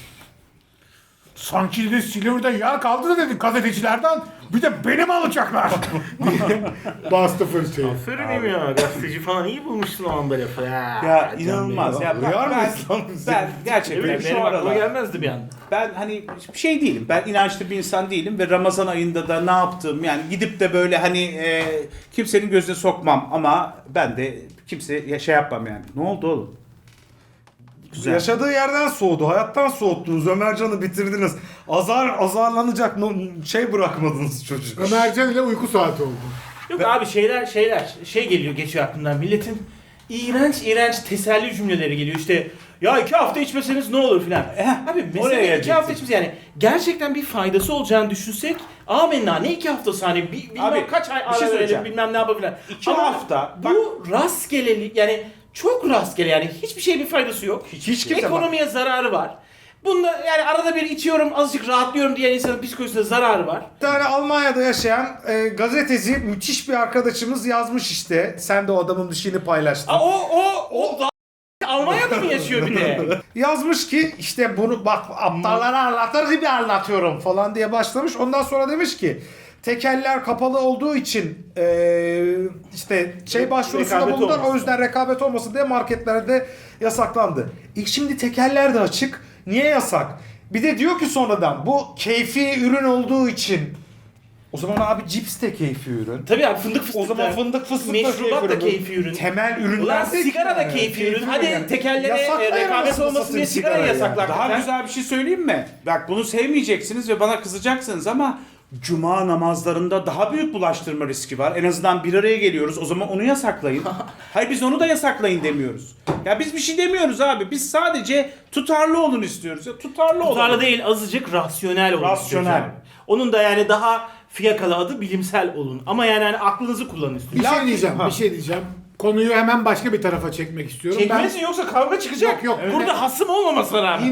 [SPEAKER 4] Sanki de Silivri'de yağ kaldı da dedi gazetecilerden, bir de benim alacaklar diye bastı fırçayı.
[SPEAKER 3] Aferin ya, gazeteci falan iyi bulmuşsun o anda lafı.
[SPEAKER 2] Ya inanılmaz. Ya bak,
[SPEAKER 1] Uyar
[SPEAKER 2] ben,
[SPEAKER 1] mıyız lan biz?
[SPEAKER 2] ben gerçekten
[SPEAKER 3] Evet,
[SPEAKER 2] şu
[SPEAKER 3] benim aklıma
[SPEAKER 2] aralar
[SPEAKER 3] gelmezdi bir anda.
[SPEAKER 2] ben hani bir şey değilim. Ben inançlı bir insan değilim ve Ramazan ayında da ne yaptım yani gidip de böyle hani kimsenin gözüne sokmam ama ben de kimse şey yapmam yani. Ne oldu oğlum? Güzel.
[SPEAKER 1] Yaşadığı yerden soğudu. Hayattan soğuttunuz. Ömercan'ı bitirdiniz. Azarlanacak şey bırakmadınız çocuğu.
[SPEAKER 4] Ömercan ile uyku saati oldu.
[SPEAKER 3] Yok abi şey geliyor geçiyor aklımdan. Milletin iğrenç teselli cümleleri geliyor. İşte ya 2 hafta içmeseniz ne olur filan. Abi
[SPEAKER 2] oraya
[SPEAKER 3] mesela 2 hafta
[SPEAKER 2] gelecektim.
[SPEAKER 3] içmesi yani gerçekten bir faydası olacağını düşünsek amenna ne 2 haftası hani bilmem
[SPEAKER 2] Abi,
[SPEAKER 3] kaç ay
[SPEAKER 2] bir şey
[SPEAKER 3] ara
[SPEAKER 2] söyleyeceğim.
[SPEAKER 3] verelim bilmem ne yapalım filan.
[SPEAKER 2] 2
[SPEAKER 3] Ama
[SPEAKER 2] hafta
[SPEAKER 3] bu rastgelelik yani çok rastgele yani hiçbir şeye bir faydası yok.
[SPEAKER 1] Hiç kimse
[SPEAKER 3] Ekonomiye zararı var. Bunda yani arada bir içiyorum azıcık rahatlıyorum diyen insanın psikolojisine zararı var.
[SPEAKER 1] Bir tane Almanya'da yaşayan gazeteci müthiş bir arkadaşımız yazmış işte. Sen de o adamın bir şeyini paylaştın.
[SPEAKER 3] O Almanya'da mı yaşıyor bir de?
[SPEAKER 1] Yazmış ki işte bunu bak aptallara anlatır gibi anlatıyorum falan diye başlamış. Ondan sonra demiş ki tekeller kapalı olduğu için işte başvurusunda
[SPEAKER 3] Rekabet
[SPEAKER 1] bulundular.
[SPEAKER 3] olmasın.
[SPEAKER 1] O yüzden rekabet olmasın diye marketlerde yasaklandı. Şimdi tekeller de açık. Niye yasak? Bir de diyor ki sonradan bu keyfi ürün olduğu için. O zaman abi cips de keyfi ürün.
[SPEAKER 3] Tabii abi fındık fıstık
[SPEAKER 1] O zaman
[SPEAKER 3] da.
[SPEAKER 1] fındık fıstık
[SPEAKER 3] Meşrubat da
[SPEAKER 1] ürün.
[SPEAKER 3] keyfi ürün.
[SPEAKER 1] Temel ürünler
[SPEAKER 3] Ulan
[SPEAKER 1] de
[SPEAKER 3] sigara da
[SPEAKER 1] yani.
[SPEAKER 3] keyfi ürün. Hadi
[SPEAKER 1] yani.
[SPEAKER 3] tekerlere
[SPEAKER 1] Yasaklayın
[SPEAKER 3] rekabet
[SPEAKER 1] anasını
[SPEAKER 3] olmasın
[SPEAKER 1] satayım
[SPEAKER 3] diye sigara
[SPEAKER 1] sigarayı
[SPEAKER 3] yasaklar.
[SPEAKER 2] Daha
[SPEAKER 3] hakikaten.
[SPEAKER 2] güzel bir şey söyleyeyim mi? Bak bunu sevmeyeceksiniz ve bana kızacaksınız ama cuma namazlarında daha büyük bulaştırma riski var. En azından bir araya geliyoruz. O zaman onu yasaklayın. Hayır biz onu da yasaklayın demiyoruz. Ya biz bir şey demiyoruz abi. Biz sadece tutarlı olun istiyoruz. Ya tutarlı olun.
[SPEAKER 3] Tutarlı değil azıcık rasyonel olun.
[SPEAKER 2] Rasyonel.
[SPEAKER 3] istiyoruz abi. Onun da yani daha fiyakalı adı bilimsel olun. Ama yani hani aklınızı kullanın
[SPEAKER 4] Bir
[SPEAKER 3] istiyoruz.
[SPEAKER 4] şey diyeceğim. Konuyu hemen başka bir tarafa çekmek istiyorum.
[SPEAKER 3] Çekmelisin yoksa kavga çıkacak.
[SPEAKER 4] Yok,
[SPEAKER 3] Burada hasım olmamasına rağmen.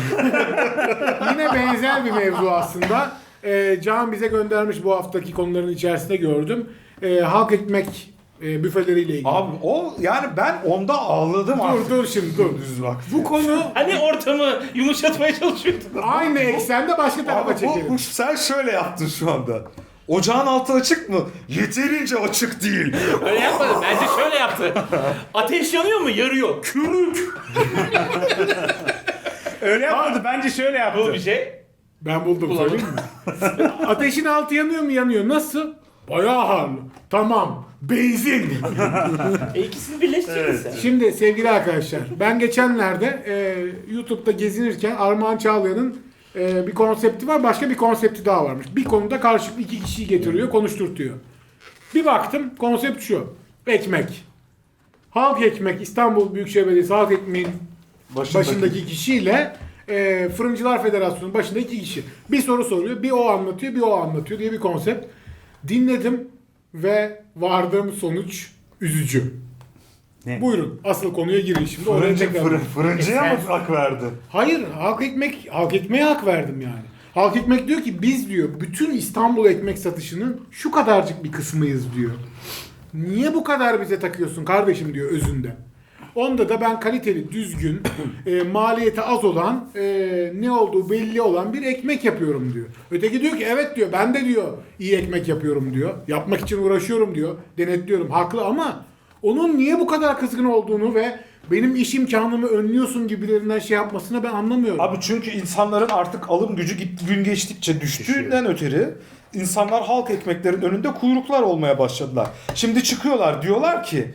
[SPEAKER 4] Yine benzer bir mevzu aslında. Can bize göndermiş bu haftaki konuların içerisinde gördüm. Halk ekmek büfeleriyle ilgili.
[SPEAKER 1] Abi o yani ben onda ağladım artık.
[SPEAKER 4] dur şimdi dur.
[SPEAKER 1] Düz bak.
[SPEAKER 4] Bu konu
[SPEAKER 3] Hani ortamı yumuşatmaya çalışıyordun.
[SPEAKER 4] aynı eksende başka tarafa
[SPEAKER 1] Abi
[SPEAKER 4] çekelim.
[SPEAKER 1] sen şöyle yaptın şu anda. Ocağın altı açık mı? Yeterince açık değil.
[SPEAKER 3] Öyle yapmadı. Bence şöyle yaptı. Ateş yanıyor mu? Yarıyor. Kürük.
[SPEAKER 2] Öyle yapmadı. Bence şöyle yaptı.
[SPEAKER 3] Bu bir şey.
[SPEAKER 4] Ben buldum söyleyeyim mi? Ateşin altı yanıyor mu? Yanıyor. Nasıl? Bayağı harlı. Tamam. Benzin.
[SPEAKER 3] İkisini birleştirdin sen.
[SPEAKER 4] Şimdi sevgili arkadaşlar ben geçenlerde YouTube'da gezinirken Armağan Çağlayan'ın bir konsepti var, başka bir konsepti daha varmış. Bir konuda karşılıklı 2 kişiyi getiriyor, konuşturtuyor. Bir baktım konsept şu. Ekmek. Halk ekmek, İstanbul Büyükşehir Belediyesi halk ekmeğin başındaki kişiyle Fırıncılar Federasyonu başındaki 2 kişi. Bir soru soruyor, bir o anlatıyor, bir o anlatıyor diye bir konsept. Dinledim ve vardığım sonuç üzücü.
[SPEAKER 2] Ne?
[SPEAKER 4] Buyurun asıl konuya girin şimdi. Oraya tekrar-
[SPEAKER 1] Fırıncıya mı hak verdi?
[SPEAKER 4] Hayır, halk ekmeğe hak verdim yani. Halk ekmek diyor ki biz diyor bütün İstanbul ekmek satışının şu kadarcık bir kısmıyız diyor. Niye bu kadar bize takıyorsun kardeşim diyor özünde. Onda da ben kaliteli, düzgün, maliyeti az olan, ne olduğu belli olan bir ekmek yapıyorum diyor. Öteki diyor ki evet diyor ben de diyor iyi ekmek yapıyorum diyor. Yapmak için uğraşıyorum diyor. Denetliyorum. Haklı ama onun niye bu kadar kızgın olduğunu ve benim iş imkanımı önlüyorsun gibilerinden şey yapmasını ben anlamıyorum.
[SPEAKER 1] Abi çünkü insanların artık alım gücü gün geçtikçe düştüğünden ötürü insanlar halk ekmeklerin önünde kuyruklar olmaya başladılar. Şimdi çıkıyorlar diyorlar ki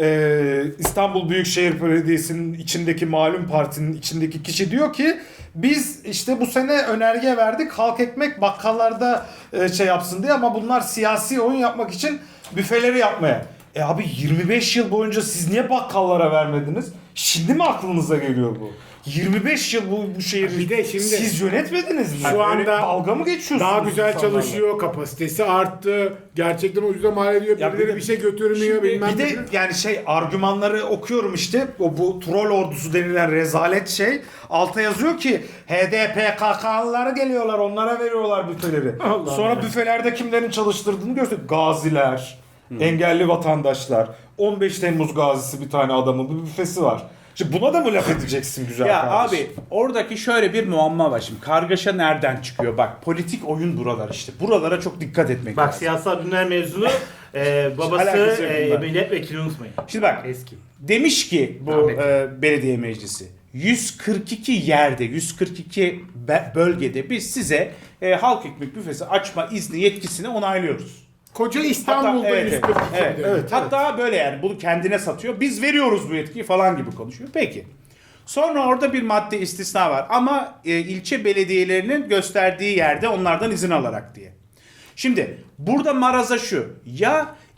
[SPEAKER 1] İstanbul Büyükşehir Belediyesi'nin içindeki malum partinin içindeki kişi diyor ki biz işte bu sene önerge verdik halk ekmek bakkallarda şey yapsın diye ama bunlar siyasi oyun yapmak için büfeleri yapmaya. Abi 25 yıl boyunca siz niye bakkallara vermediniz? Şimdi mi aklınıza geliyor bu? 25 yıl bu şehri
[SPEAKER 4] Bir de şimdi-
[SPEAKER 1] siz yönetmediniz mi?
[SPEAKER 4] Şu
[SPEAKER 1] Öyle
[SPEAKER 4] anda
[SPEAKER 1] dalga mı geçiyorsunuz?
[SPEAKER 4] daha güzel
[SPEAKER 1] insanlarla?
[SPEAKER 4] çalışıyor, kapasitesi arttı, gerçekten ucuza mal ediyor,
[SPEAKER 1] Ya
[SPEAKER 4] birileri
[SPEAKER 1] bir de-
[SPEAKER 4] bir şey götürmüyor
[SPEAKER 1] Şimdi
[SPEAKER 4] bilmem
[SPEAKER 1] bir de yani argümanları okuyorum işte bu troll ordusu denilen rezalet şey alta yazıyor ki HDPKK'lıları geliyorlar onlara veriyorlar büfeleri. Sonra büfelerde kimlerin çalıştırdığını gösteriyor. Gaziler, engelli vatandaşlar, 15 Temmuz gazisi bir tane adamın bir büfesi var. Şimdi buna da mı laf edeceksin güzel
[SPEAKER 2] Ya
[SPEAKER 1] kardeşim?
[SPEAKER 2] abi oradaki şöyle bir muamma var şimdi. Kargaşa nereden çıkıyor? Bak politik oyun buralar işte. Buralara çok dikkat etmek
[SPEAKER 3] Bak
[SPEAKER 2] lazım.
[SPEAKER 3] siyasal ürünler mezunu babası
[SPEAKER 2] Alakası yok bunlar.
[SPEAKER 3] milletvekili unutmayın.
[SPEAKER 2] Şimdi bak
[SPEAKER 3] Eski.
[SPEAKER 2] demiş ki bu
[SPEAKER 3] Rahmetli.
[SPEAKER 2] belediye meclisi 142 yerde 142 bölgede biz size halk ekmek büfesi açma izni yetkisini onaylıyoruz.
[SPEAKER 4] Koca İstanbul'da
[SPEAKER 2] evet,
[SPEAKER 4] 142
[SPEAKER 2] evet,
[SPEAKER 4] dedi.
[SPEAKER 2] evet. Hatta böyle yani bunu kendine satıyor. Biz veriyoruz bu yetkiyi falan gibi konuşuyor. Peki. Sonra orada bir madde istisna var ama ilçe belediyelerinin gösterdiği yerde onlardan izin alarak diye. Şimdi burada maraza şu. Ya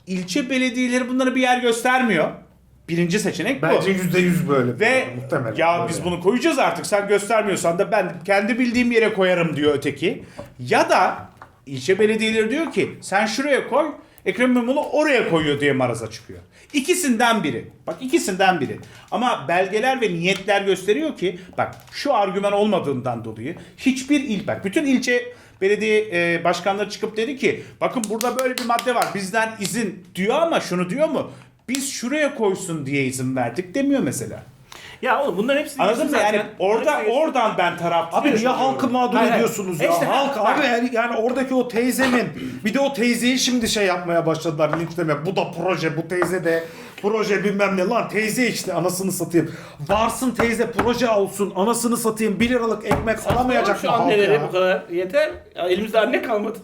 [SPEAKER 2] ilçe belediyeleri bunlara bir yer göstermiyor. Birinci seçenek bu.
[SPEAKER 1] Bence %100 böyle.
[SPEAKER 2] Ve
[SPEAKER 1] muhtemelen.
[SPEAKER 2] ya
[SPEAKER 1] Böyle.
[SPEAKER 2] biz bunu koyacağız artık, sen göstermiyorsan da ben kendi bildiğim yere koyarım diyor öteki. Ya da ilçe belediyeleri diyor ki sen şuraya koy, Ekrem İmamoğlu oraya koyuyor diye maraza çıkıyor. İkisinden biri. Bak ikisinden biri. Ama belgeler ve niyetler gösteriyor ki bak şu argüman olmadığından dolayı hiçbir bak bütün ilçe belediye başkanları çıkıp dedi ki bakın burada böyle bir madde var bizden izin diyor ama şunu diyor mu? Biz şuraya koysun diye izin verdik demiyor mesela.
[SPEAKER 3] Ya oğlum bunların hepsini
[SPEAKER 2] Anladın mı?
[SPEAKER 3] zaten.
[SPEAKER 2] Yani oradan ben taraftarım.
[SPEAKER 1] Abi niye halkı mağdur
[SPEAKER 3] Hayır, hayır.
[SPEAKER 1] ediyorsunuz ya?
[SPEAKER 3] İşte
[SPEAKER 1] Halk
[SPEAKER 3] bak.
[SPEAKER 1] abi yani oradaki o teyzemin bir de o teyzeyi şimdi şey yapmaya başladılar linçlemeye. Bu da proje, bu teyze de proje bilmem ne lan teyze işte anasını satayım. Varsın teyze proje olsun anasını satayım 1 liralık ekmek alamayacak
[SPEAKER 3] Şu
[SPEAKER 1] mı halk
[SPEAKER 3] annelere
[SPEAKER 1] ya?
[SPEAKER 3] bu kadar yeter. Ya elimizde anne kalmadı.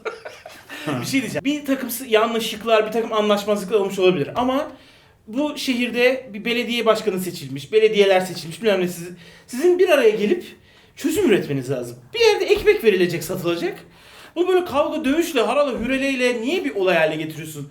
[SPEAKER 3] Bir şey diyeceğim. Bir takım yanlışlıklar, bir takım anlaşmazlıklar olmuş olabilir ama bu şehirde bir belediye başkanı seçilmiş, belediyeler seçilmiş bilmem ne sizin bir araya gelip çözüm üretmeniz lazım. Bir yerde ekmek verilecek, satılacak. Bu böyle kavga, dövüşle, harala, hüreleyle niye bir olay haline getiriyorsun?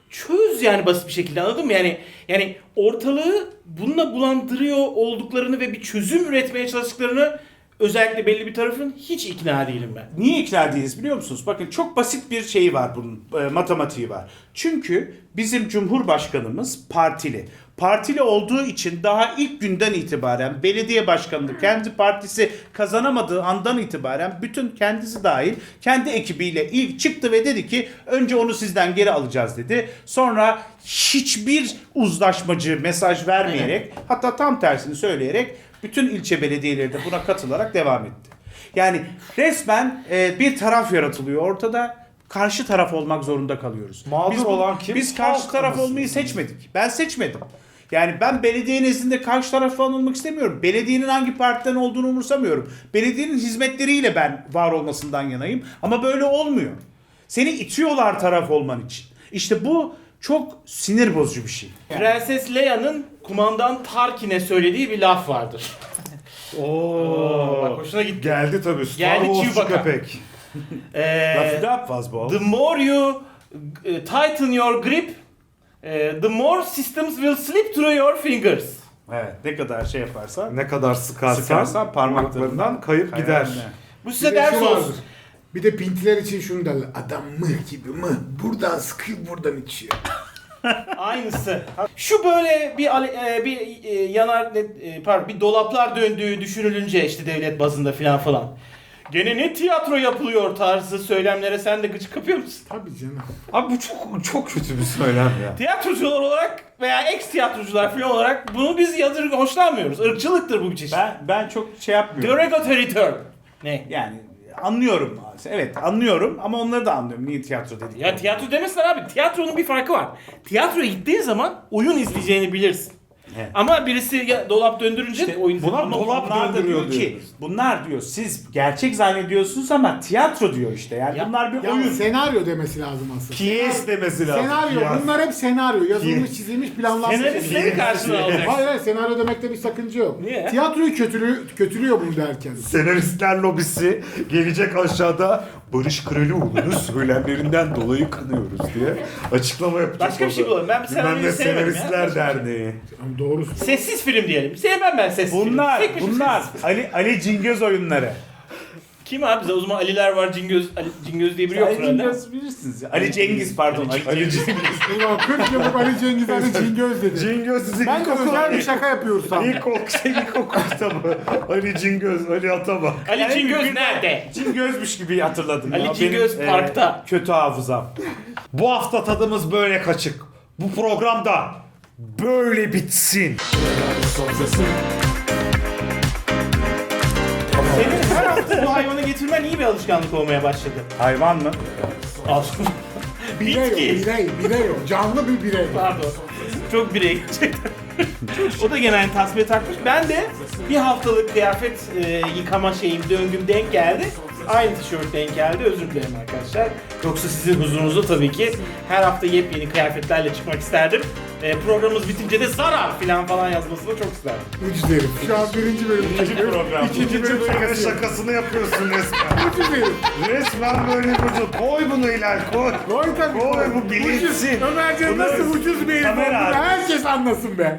[SPEAKER 3] Çöz yani basit bir şekilde anladın mı? Yani ortalığı bununla bulandırıyor olduklarını ve bir çözüm üretmeye çalıştıklarını özellikle belli bir tarafın hiç ikna değilim ben.
[SPEAKER 2] Niye ikna değiliz biliyor musunuz? Bakın çok basit bir şeyi var bunun, matematiği var. Çünkü bizim Cumhurbaşkanımız partili. Partili olduğu için daha ilk günden itibaren belediye başkanlığı kendi partisi kazanamadığı andan itibaren bütün kendisi dahil kendi ekibiyle ilk çıktı ve dedi ki önce onu sizden geri alacağız dedi. Sonra hiçbir uzlaşmacı mesaj vermeyerek hatta tam tersini söyleyerek bütün ilçe belediyeleri de buna katılarak devam etti. Yani resmen bir taraf yaratılıyor ortada. Karşı taraf olmak zorunda kalıyoruz.
[SPEAKER 1] Mağdur olan kim?
[SPEAKER 2] Biz karşı
[SPEAKER 1] Halk
[SPEAKER 2] taraf
[SPEAKER 1] anasını
[SPEAKER 2] olmayı
[SPEAKER 1] satayım.
[SPEAKER 2] seçmedik. Ben seçmedim. Yani ben belediye nezdinde karşı taraf falan olmak istemiyorum. Belediyenin hangi partiden olduğunu umursamıyorum. Belediyenin hizmetleriyle ben var olmasından yanayım. Ama böyle olmuyor. Seni itiyorlar taraf olman için. İşte bu çok sinir bozucu bir şey.
[SPEAKER 3] Prenses Leia'nın kumandan Tarkin'e söylediği bir laf vardır.
[SPEAKER 1] Oo.
[SPEAKER 3] Bak hoşuna gitti.
[SPEAKER 1] Geldi tabii. Star
[SPEAKER 3] Geldi
[SPEAKER 1] Wars'cu
[SPEAKER 3] Chewbacca.
[SPEAKER 1] köpek.
[SPEAKER 2] Lafı da yapmaz bu.
[SPEAKER 3] The more you tighten your grip, the more systems will slip through your fingers.
[SPEAKER 2] Evet, ne kadar şey yaparsan
[SPEAKER 1] Ne kadar sıkarsan parmaklarından kayıp gider.
[SPEAKER 2] Hayal ne?
[SPEAKER 3] Bu
[SPEAKER 4] Bir
[SPEAKER 3] size
[SPEAKER 4] de
[SPEAKER 3] ders
[SPEAKER 4] şu
[SPEAKER 3] olsun.
[SPEAKER 4] vardır. Bir de pintiler için şunu derler. Adam mıh gibi mıh. Buradan sıkıyor buradan içiyor.
[SPEAKER 3] Aynısı. Şu böyle bir dolaplar döndüğü düşünülünce işte devlet bazında falan. Gene ne tiyatro yapılıyor tarzı söylemlere sen de gıcık kapıyor musun?
[SPEAKER 4] Tabii canım.
[SPEAKER 1] Abi bu çok kötü bir söylem ya.
[SPEAKER 3] Tiyatrocular olarak veya ex tiyatrocular falan olarak bunu biz hoşlanmıyoruz. Irkçılıktır bu bir çeşit.
[SPEAKER 2] Ben çok şey yapmıyorum.
[SPEAKER 3] Derogatory term. Ne?
[SPEAKER 2] Yani anlıyorum. Evet anlıyorum ama onları da anlıyorum. Niye tiyatro dedik?
[SPEAKER 3] Ya tiyatro demesinler abi. Tiyatronun bir farkı var. Tiyatroya gittiğin zaman oyun izleyeceğini bilirsin.
[SPEAKER 2] Evet.
[SPEAKER 3] Ama birisi dolap döndürünce de oyun
[SPEAKER 1] buna
[SPEAKER 3] izleyeceksin.
[SPEAKER 1] dolap
[SPEAKER 2] Bunlar da
[SPEAKER 1] döndürüyor
[SPEAKER 2] diyor ki
[SPEAKER 1] diyoruz.
[SPEAKER 2] bunlar diyor siz gerçek zannediyorsunuz ama tiyatro diyor işte. Yani
[SPEAKER 3] Ya-
[SPEAKER 2] bunlar bir
[SPEAKER 4] Ya
[SPEAKER 2] oyun.
[SPEAKER 4] senaryo demesi lazım aslında.
[SPEAKER 1] Piyes demesi lazım.
[SPEAKER 4] Senaryo.
[SPEAKER 1] Piyes.
[SPEAKER 4] Bunlar hep senaryo. Yazılmış,
[SPEAKER 1] Piyes.
[SPEAKER 4] çizilmiş, planlanmış.
[SPEAKER 3] Senaristleri karşına alacaksın.
[SPEAKER 4] Hayır hayır senaryo demekte bir sakınca yok.
[SPEAKER 3] Niye?
[SPEAKER 4] Tiyatroyu kötülüyor bunu derken.
[SPEAKER 1] Senaristler lobisi gelecek aşağıda Barış Kralioğlu'nu söylemlerinden dolayı kınıyoruz diye açıklama yapacak.
[SPEAKER 3] Başka bir şey bulalım. Ben bir
[SPEAKER 1] Bilmem
[SPEAKER 3] senaryoyu
[SPEAKER 1] ne
[SPEAKER 3] sevmedim ya.
[SPEAKER 1] Senaristler Derneği.
[SPEAKER 4] Ama doğrusu.
[SPEAKER 3] Sessiz film diyelim. Sevmem ben sessiz film. Tek bir şey
[SPEAKER 2] Bunlar
[SPEAKER 3] sessiz.
[SPEAKER 2] Ali Cingöz oyunları.
[SPEAKER 3] Kim abi? Bize o zaman Aliler var. Cingöz diye biri yok
[SPEAKER 2] Ali
[SPEAKER 3] herhalde.
[SPEAKER 2] Cingöz bilirsiniz. Ali Cengiz pardon. Ali Cengiz.
[SPEAKER 4] Ulan 40 yıllık Ali Cengiz Ali Cingöz dedi.
[SPEAKER 1] Cingöz sizi
[SPEAKER 4] Ben de özel bir şaka yapıyoruz sandım.
[SPEAKER 1] İlkokul kitabı. Ali Cingöz, Ali Atabak.
[SPEAKER 3] Ali Cingöz nerede?
[SPEAKER 2] Cingözmüş gibi hatırladım.
[SPEAKER 3] Ali
[SPEAKER 2] ya.
[SPEAKER 3] Cingöz
[SPEAKER 2] Benim,
[SPEAKER 3] parkta.
[SPEAKER 2] kötü hafızam.
[SPEAKER 1] Bu hafta tadımız böyle kaçık. Bu programda böyle bitsin.
[SPEAKER 3] Senin her hafta bu hayvanı getirmen iyi bir alışkanlık olmaya başladı.
[SPEAKER 2] Hayvan mı?
[SPEAKER 3] Al.
[SPEAKER 4] Birey o,
[SPEAKER 3] Bitki.
[SPEAKER 4] birey o. Canlı bir birey.
[SPEAKER 3] Pardon. Çok birey gerçekten. O da genelde tasfiye takmış. Ben de bir haftalık kıyafet yıkama döngüm denk geldi. Aynı tişört denk geldi. Özür dilerim arkadaşlar. Yoksa sizin huzurunuzda tabii ki her hafta yepyeni kıyafetlerle çıkmak isterdim. Programımız bitince de zarar falan yazmasını çok isterdim.
[SPEAKER 4] Ucuz herif. Şu an birinci bölüm.
[SPEAKER 2] İkinci program.
[SPEAKER 4] İkinci bölüm şakası.
[SPEAKER 1] şakasını yapıyorsun resmen.
[SPEAKER 4] Ucuz herif.
[SPEAKER 1] Resmen böyle ucuz. Koy bunu Hilal koy.
[SPEAKER 4] Koy tabii.
[SPEAKER 1] Koy, bu
[SPEAKER 4] Ucuz.
[SPEAKER 1] bilinsin.
[SPEAKER 4] Ömercan
[SPEAKER 2] Bu
[SPEAKER 4] nasıl
[SPEAKER 2] da
[SPEAKER 4] ucuz bir herif
[SPEAKER 2] kamera
[SPEAKER 4] olduğunu
[SPEAKER 2] arkası.
[SPEAKER 4] herkes anlasın be.